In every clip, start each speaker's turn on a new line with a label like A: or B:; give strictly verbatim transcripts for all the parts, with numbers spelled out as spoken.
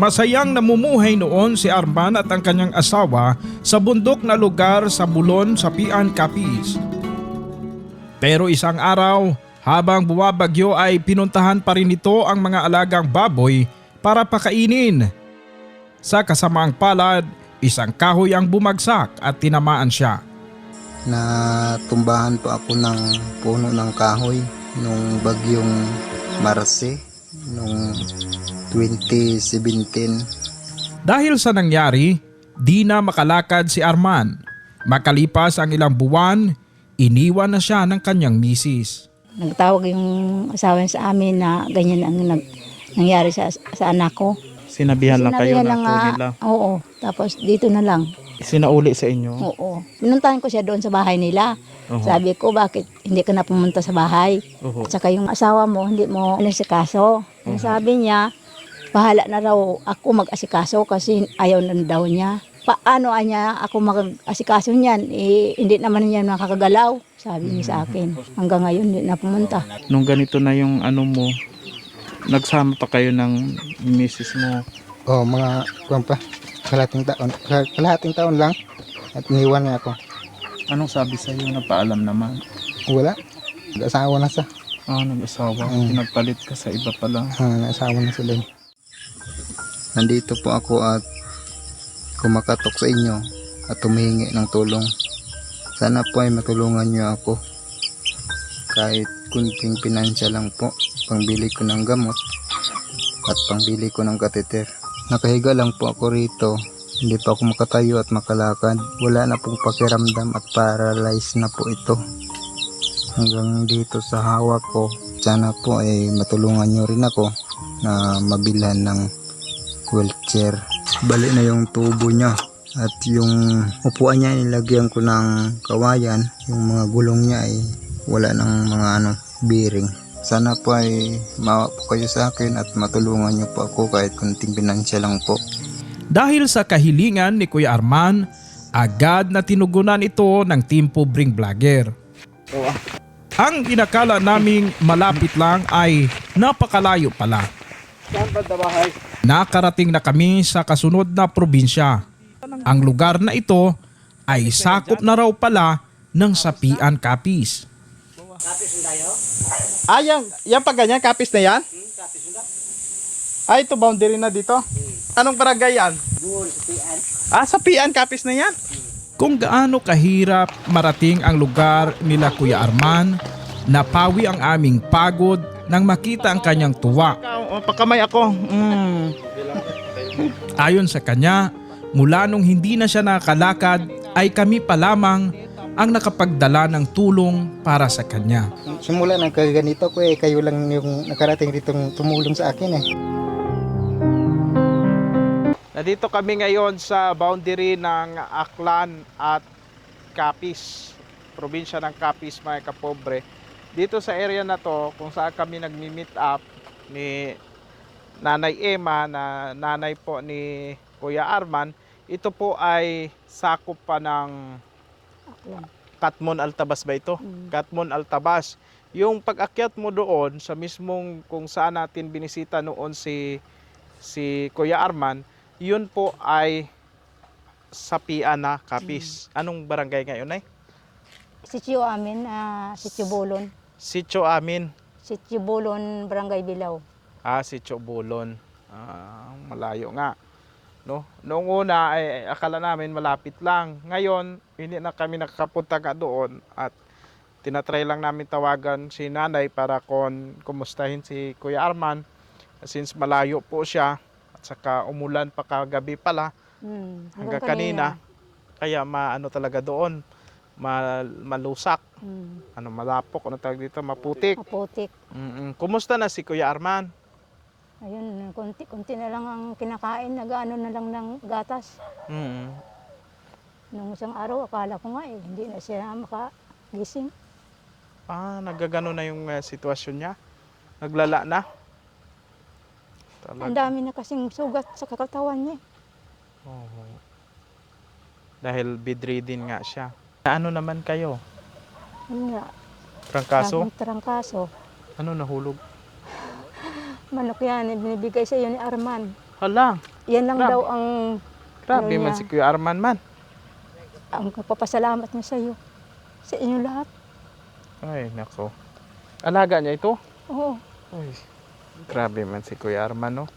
A: Masayang namumuhay noon si Arman at ang kanyang asawa sa bundok na lugar sa Bulon, Sapian, Capiz. Pero isang araw, habang buwabagyo ay pinuntahan pa rin nito ang mga alagang baboy para pakainin. Sa kasamaang palad, isang kahoy ang bumagsak at tinamaan siya.
B: Natumbahan po ako ng puno ng kahoy nung bagyong Marse nung twenty seventeen.
A: Dahil sa nangyari, di na makalakad si Arman. Makalipas ang ilang buwan, iniwan na siya ng kanyang misis.
C: Nagtawag yung asawa niya sa amin na ganyan ang nag, nangyari sa, sa anak ko.
D: Sinabihan lang kayo
C: Sinabihan
D: na
C: lang
D: po
C: nga,
D: nila.
C: Oo, tapos dito na lang.
D: Sinauli sa inyo.
C: Oo. Pinuntahan ko siya doon sa bahay nila.
D: Oho.
C: Sabi ko, bakit hindi ka na pumunta sa bahay?
D: Oho.
C: At saka yung asawa mo, hindi mo asikaso. Ang sabi niya, bahala na raw ako mag-asikaso kasi ayaw na daw niya. Paano niya ako mag-asikaso niyan? Eh, hindi naman niya nakakagalaw. Sabi niya sa akin. Hanggang ngayon, hindi na pumunta.
D: Nung ganito na yung ano mo, nagsama pa kayo ng misis mo.
B: Oh, mga kuwan pa, kalahating taon, kalahating taon lang at iniwan niya ako.
D: Anong sabi sa iyo? Napaalam naman.
B: Wala, nag-asawa na siya.
D: Ah, nag-asawa.
B: Mm.
D: Pinagpalit ka sa iba pala.
B: Ah, nag-asawa na sila. Nandito po ako at kumakatok sa inyo at humihingi ng tulong. Sana po ay matulungan niyo ako. Kahit kunting pinansya lang po, pangbili ko ng gamot at pangbili ko ng kateter. Nakahiga lang po ako rito. Hindi pa ako makatayo at makalakad. Wala na pong pakiramdam at paralyzed na po ito. Hanggang dito sa hawak ko. Sana po ay matulungan nyo rin ako na mabilhan ng wheelchair. Bali na yung tubo niya. At yung upuan niya nilagyan ko ng kawayan. Yung mga gulong niya ay wala ng mga ano, bearing. Sana po ay maawa po kayo sa akin at matulungan niyo po ako kahit kunting pinansya lang po.
A: Dahil sa kahilingan ni Kuya Arman, agad na tinugunan ito ng Team Pobring Vlogger. Ang inakala naming malapit lang ay napakalayo pala. Nakarating na kami sa kasunod na probinsya. Ang lugar na ito ay sakop na raw pala ng Sapian, Capiz.
D: Ah, yan, yan pa ganyan? Kapis na yan? Ah, ito boundary na dito? Anong barangay yan? Ah, Sapian, Kapis na yan?
A: Kung gaano kahirap marating ang lugar nila Kuya Arman, napawi ang aming pagod nang makita ang kanyang tuwa.
D: Oh, pakamay ako. Mm.
A: Ayon sa kanya, mula nung hindi na siya nakakalakad ay kami pa lamang ang nakapagdala ng tulong para sa kanya.
B: Simula ng kaganito ko eh, kayo lang yung nakarating ditong tumulong sa akin eh.
D: Nandito kami ngayon sa boundary ng Aklan at Capiz, probinsya ng Capiz, mga kapobre. Dito sa area na to, kung saan kami nagmi-meet up ni Nanay Emma, na nanay po ni Kuya Arman, ito po ay sakop pa ng Katmon Altabas ba ito?
C: Mm.
D: Katmon Altabas. Yung pag-akyat mo doon sa mismong kung saan natin binisita noon si si Kuya Arman, yun po ay Sapian na Capiz. Anong barangay ngayon ay?
C: Sityo amin, uh, Sityo Bulon.
D: Sitio Amin.
C: Sityo Bulon, Barangay Bilaw.
D: Ah, Sitio Bulon. Ah, malayo nga. No? Noong una ay akala namin malapit lang. Ngayon, hindi na kami nakakapunta ka doon at tinatry lang namin tawagan si nanay para kon kumustahin si Kuya Arman since malayo po siya at saka umulan pa kagabi pala
C: Hmm,
D: hanggang kanina. Kaya maano talaga doon, mal, malusak,
C: Hmm,
D: ano malapok, ano tawag dito, maputik.
C: maputik.
D: Mm-mm. Kumusta na si Kuya Arman?
C: Ayun, konti-konti na lang ang kinakain, nag-ano na lang ng gatas.
D: Mm.
C: Nung isang araw, akala ko nga eh, hindi na siya makagising.
D: Ah, nagagano na yung uh, sitwasyon niya? Naglala na?
C: Ang
D: Talaga.
C: dami na kasing sugat sa kakatawan niya.
D: Oo. Dahil bedridden nga siya. Ano naman kayo?
C: Yun nga,
D: Trangkaso?
C: laging trangkaso.
D: Ano nahulog?
C: Manok yan, eh, binibigay sa iyo ni Arman.
D: Hala,
C: Yan lang
D: Grabe.
C: daw ang
D: grabe
C: Ano
D: man
C: niya?
D: si Kuya Arman man.
C: ang papasalamat niya sa iyo. Sa inyo lahat.
D: Ay, nako. Alaga niya ito?
C: Oo.
D: Ay, grabe man si Kuya Arman, no?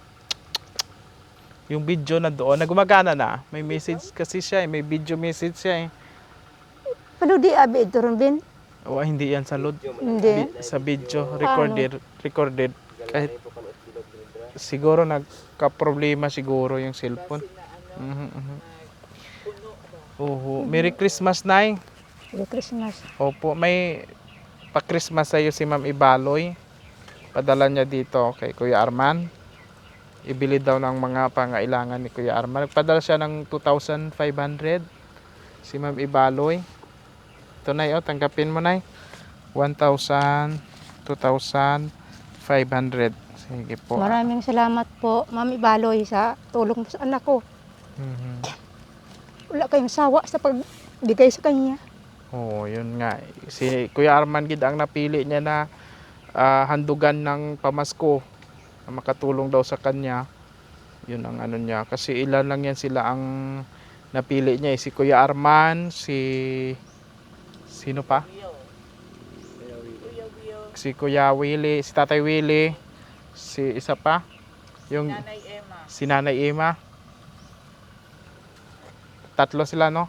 D: Yung video na doon, nagumagana na. May message kasi siya, eh. May video message siya, eh.
C: Pero di abi ito rin, Bin.
D: O, hindi yan sa load.
C: Hindi.
D: Bi- sa video, recorded, recorded. Kahit siguro nagka-problema siguro yung cellphone. Mhm, mhm. Oho. Merry Christmas, Nay.
C: Merry Christmas.
D: Opo, may pa-Christmas sa'yo si Ma'am Ibaloy. Padala niya dito kay Kuya Arman. Ibili daw ng mga pangailangan ni Kuya Arman. Nagpadala siya ng two thousand five hundred. Si Ma'am Ibaloy. Ito, Nay, oh, tanggapin mo, Nay. one thousand, two thousand five hundred. Sige po.
C: Maraming salamat po, Mami Baloy, sa tulong mo sa anak ko.
D: Mhm.
C: Wala kayong sawa sa pagbigay sa kanya.
D: Oo, yun nga. Si Kuya Arman gid ang napili niya na ah, handugan ng pamasko na makatulong daw sa kanya. Yun ang ano niya. Kasi ilan lang yan sila ang napili niya. eh. Si Kuya Arman, si... Sino pa? Si Kuya Willie, si Tatay Willie, si isa pa? Yung si Nanay Emma. Tatlo sila, no?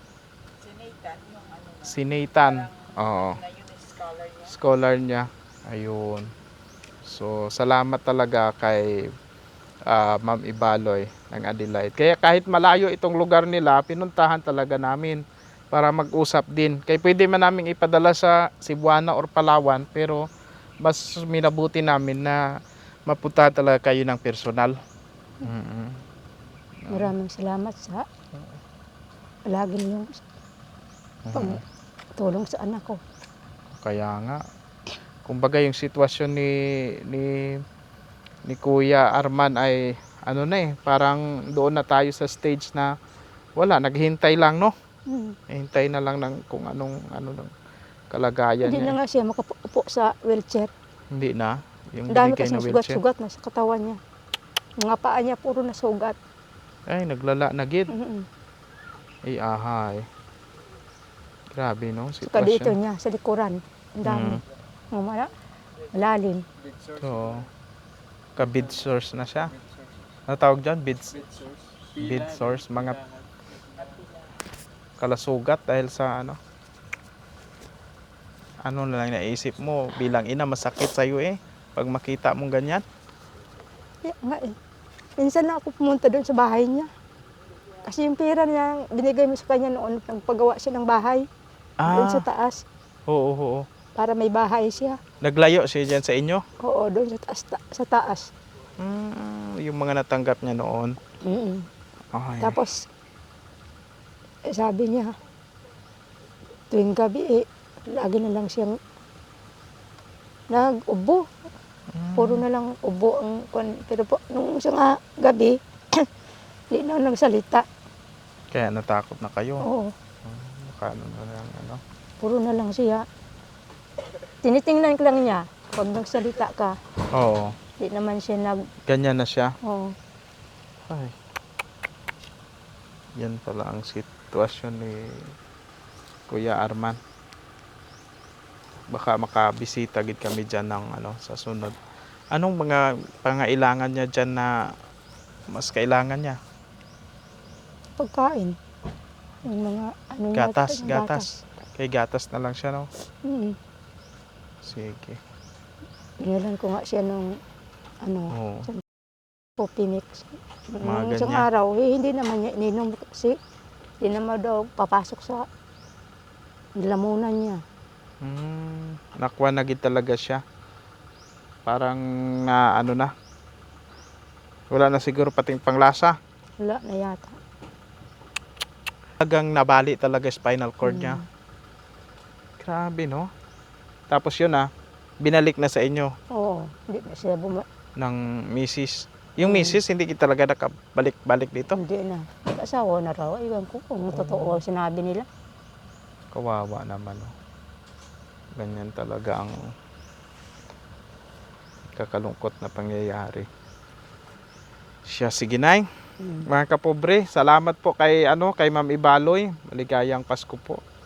D: Si Nathan. Oo. Scholar niya. Ayun. So, salamat talaga kay ah, Ma'am Ibaloy ng Adelaide. Kaya kahit malayo itong lugar nila, pinuntahan talaga namin para mag-usap din. Kaya pwede man namin ipadala sa Cebuana or Palawan, pero mas minabuti namin na mapunta talaga kayo ng personal. Mm-mm.
C: Maraming salamat sa lagi niyong
D: Mhm.
C: tulong sa anak ko.
D: Kaya nga, kumbaga yung sitwasyon ni ni ni Kuya Arman ay ano na eh, parang doon na tayo sa stage na wala, naghihintay lang, no?
C: Hmm.
D: Hintay na lang ng kung anong ano ng kalagayan
C: Hindi
D: niya.
C: na nga siya makaupo sa wheelchair.
D: Hindi na yung
C: Ang dami
D: binigay na
C: kasing
D: wheelchair.
C: sugat-sugat na sa katawan niya. Mga paa niya puro na sugat.
D: Ay, naglala na gid.
C: Mm-mm.
D: Ay, ahay. Grabe, no?
C: Saka dito
D: Sitwasyon.
C: niya, sa likuran. Ang dami.
D: Mm.
C: Mga mala- malalim.
D: So, ka-bid source na siya. Ano tawag dyan? Bid, bid source. Mga kalasugat dahil sa ano. Ano na lang naisip mo bilang ina, masakit sa'yo eh. Pag makita mong ganyan.
C: Kaya nga eh. Minsan na ako pumunta doon sa bahay niya. Kasi yung pera niya, binigay mo sa kanya noon, nagpagawa siya ng bahay. Doon sa
D: Ah,
C: taas.
D: oo, oo, oo.
C: Para may bahay siya.
D: Naglayo siya dyan sa inyo?
C: Oo, doon sa taas. Ta- sa taas.
D: Mm, yung mga natanggap niya noon.
C: Mm-mm.
D: Ay.
C: Tapos, eh, sabi niya, tuwing gabi eh, lagi na lang siyang nag-ubo. Puro na lang ubo ang kwan. Pero po, nung isang ah, gabi, hindi na nagsalita.
D: Kaya natakot na kayo.
C: Oo,
D: Mukha na lang ano.
C: puro na lang siya. Tinitingnan ko lang niya, pag nagsalita ka,
D: Oo.
C: hindi naman siya nag...
D: Ganyan na siya.
C: Oo.
D: Ay. Yan pala ang sitwasyon ni Kuya Arman. Baka makabisita gid kami dyan ng ano, sa sunod. Anong mga pangailangan niya dyan na mas kailangan niya?
C: Pagkain. Yung mga ano niya,
D: Gatas,
C: yung
D: gatas. Kay gatas na lang siya, no?
C: Mm.
D: Sige.
C: Binilan ko nga siya ng ano,
D: Oo.
C: coffee mix.
D: Mga
C: Nung isang
D: ganyan.
C: araw, eh, hindi naman niya ininom kasi hindi naman daw papasok sa lamunan niya.
D: Hmm, nakuha na gid talaga siya. Parang na ano na. Wala na siguro pating panglasa.
C: Wala na yata.
D: Talagang nabali talaga spinal cord niya.
C: Mm.
D: Grabe, no? Tapos yun ah, binalik na sa inyo
C: Oo, hindi na siya buma...
D: ng misis. Yung
C: Mm.
D: misis, hindi kita talaga nakabalik-balik dito.
C: Hindi na. Nag-asawa na raw. Iwan ko kung totoo sinabi nila.
D: Kawawa naman, no? Ganyan talaga ang kakalungkot na pangyayari. Siya, sige nay. Mga kapobre, salamat po kay ano kay Ma'am Ibaloy. Maligayang Pasko po.